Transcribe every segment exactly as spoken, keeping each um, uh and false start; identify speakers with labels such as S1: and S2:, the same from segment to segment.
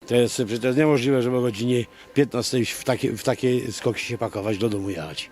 S1: To jest, przecież to jest niemożliwe, żeby o godzinie piętnastej w takie, w takie skoki się pakować, do domu jechać.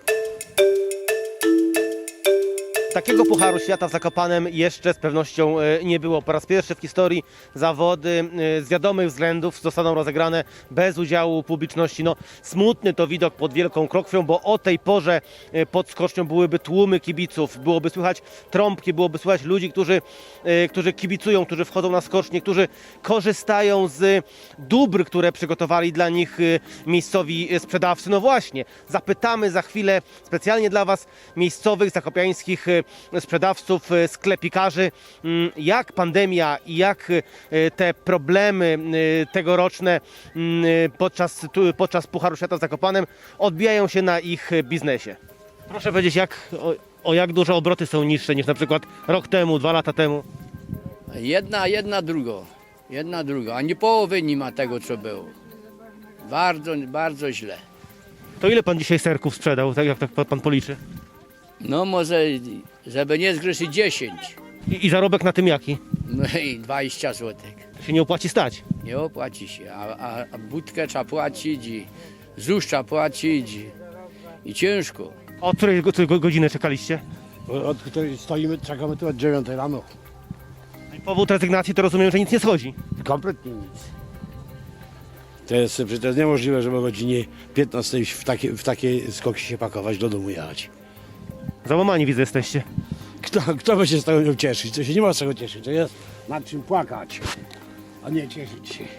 S2: Takiego Pucharu Świata w Zakopanem jeszcze z pewnością e, nie było. Po raz pierwszy w historii zawody e, z wiadomych względów zostaną rozegrane bez udziału publiczności. No, smutny to widok pod Wielką Krokwią, bo o tej porze e, pod skocznią byłyby tłumy kibiców, byłoby słychać trąbki, byłoby słychać ludzi, którzy, e, którzy kibicują, którzy wchodzą na skocznię, którzy korzystają z dóbr, które przygotowali dla nich e, miejscowi sprzedawcy. No właśnie, zapytamy za chwilę specjalnie dla Was miejscowych, zakopiańskich e, sprzedawców, sklepikarzy, jak pandemia i jak te problemy tegoroczne podczas, podczas Pucharu Świata w Zakopanem odbijają się na ich biznesie. Proszę powiedzieć, jak, o, o jak duże obroty są niższe niż na przykład rok temu, dwa lata temu?
S3: Jedna, jedna drugo. Jedna druga. Ani połowy nie ma tego, co było. Bardzo, bardzo źle.
S2: To ile pan dzisiaj serków sprzedał, tak jak tak pan policzy?
S3: No może, żeby nie zgrzeszyć dziesięć.
S2: I, i zarobek na tym jaki?
S3: No i dwadzieścia złotych.
S2: Się nie opłaci stać.
S3: Nie opłaci się. A, a, a budkę trzeba płacić i zusz trzeba płacić i, i ciężko.
S2: Od której go- której godziny czekaliście?
S1: Od której stoimy, czekamy tu od dziewiątej rano.
S2: I powód rezygnacji to rozumiem, że nic nie schodzi.
S1: Kompletnie nic. To jest, przecież to jest niemożliwe, żeby o godzinie piętnastej w takie, w takie skoki się pakować, do domu jechać.
S2: Załamani widzę jesteście.
S1: Kto, kto by się z tego miał cieszyć? To się nie ma z czego cieszyć. To jest nad czym płakać, a nie cieszyć się.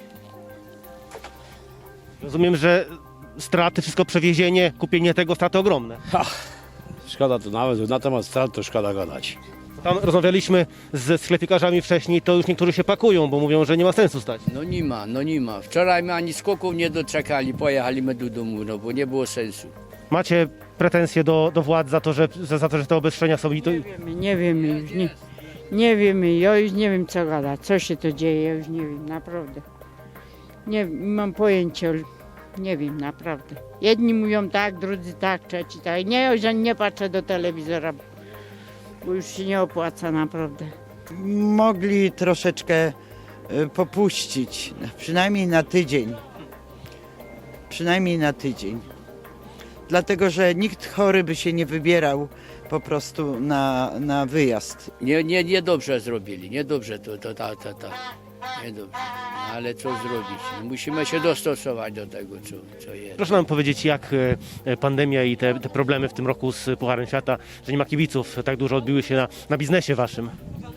S2: Rozumiem, że straty, wszystko przewiezienie, kupienie tego, straty ogromne.
S1: Szkoda to nawet, na temat strat to szkoda gadać.
S2: Tam rozmawialiśmy ze sklepikarzami wcześniej, to już niektórzy się pakują, bo mówią, że nie ma sensu stać.
S3: No nie ma, no nie ma. Wczoraj my ani skoków nie doczekali, pojechaliśmy do domu, no bo nie było sensu.
S2: Macie pretensje do, do władz za to, że, za, za to, że te obostrzenia są i to...
S4: Wiemy, nie wiemy już, nie, nie wiemy, ja już nie wiem co gada, co się to dzieje, ja już nie wiem, naprawdę. Nie mam pojęcia, nie wiem, naprawdę. Jedni mówią tak, drudzy tak, trzeci tak. Nie, ja już nie patrzę do telewizora, bo już się nie opłaca, naprawdę.
S5: Mogli troszeczkę y, popuścić, przynajmniej na tydzień. Przynajmniej na tydzień. Dlatego, że nikt chory by się nie wybierał po prostu na, na wyjazd.
S3: Nie, nie, nie dobrze zrobili, nie dobrze to, to, to, to, to. Nie dobrze. Ale co zrobić? Musimy się dostosować do tego, co, co jest.
S2: Proszę nam powiedzieć, jak e, pandemia i te, te problemy w tym roku z Pucharem Świata, że nie ma kibiców, tak dużo odbiły się na, na biznesie waszym.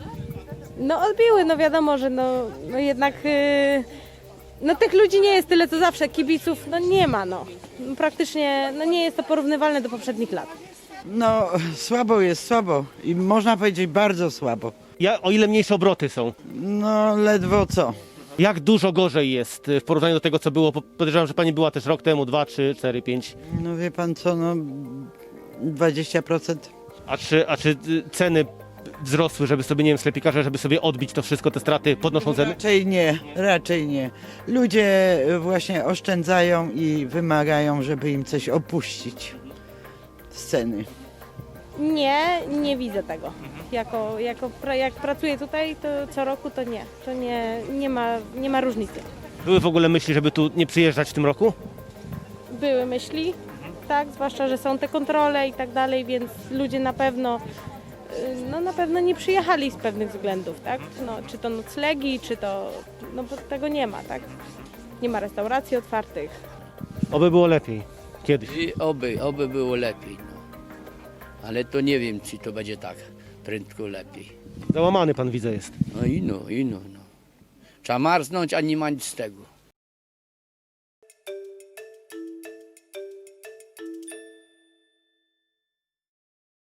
S6: No odbiły, no wiadomo, że no, no jednak yy, no tych ludzi nie jest tyle co zawsze, kibiców no nie ma, no. Praktycznie no nie jest to porównywalne do poprzednich lat.
S5: No, słabo jest, słabo. I można powiedzieć bardzo słabo.
S2: Ja, o ile mniejsze obroty są?
S5: No, ledwo co.
S2: Jak dużo gorzej jest w porównaniu do tego, co było? Podejrzewam, że pani była też rok temu, dwa, trzy, cztery, pięć.
S5: No wie pan co, no dwadzieścia procent.
S2: A czy, a czy y, ceny wzrosły, żeby sobie, nie wiem, sklepikarze, żeby sobie odbić to wszystko, te straty, podnoszą ceny?
S5: Raczej nie, raczej nie. Ludzie właśnie oszczędzają i wymagają, żeby im coś opuścić z ceny.
S6: Nie, nie widzę tego. Jako, jako pra, jak pracuję tutaj, to co roku to nie. To nie, nie, ma, nie ma różnicy.
S2: Były w ogóle myśli, żeby tu nie przyjeżdżać w tym roku?
S6: Były myśli, tak, zwłaszcza, że są te kontrole i tak dalej, więc ludzie na pewno y, no na pewno nie przyjechali z pewnych względów, tak? No, czy to noclegi, czy to, no bo tego nie ma, tak? Nie ma restauracji otwartych.
S2: Oby było lepiej. Kiedyś.
S3: I oby, oby było lepiej. No. Ale to nie wiem, czy to będzie tak prędko lepiej.
S2: Załamany pan widzę jest.
S3: No i no, i no, no. Trzeba marznąć, a nie ma nic z tego.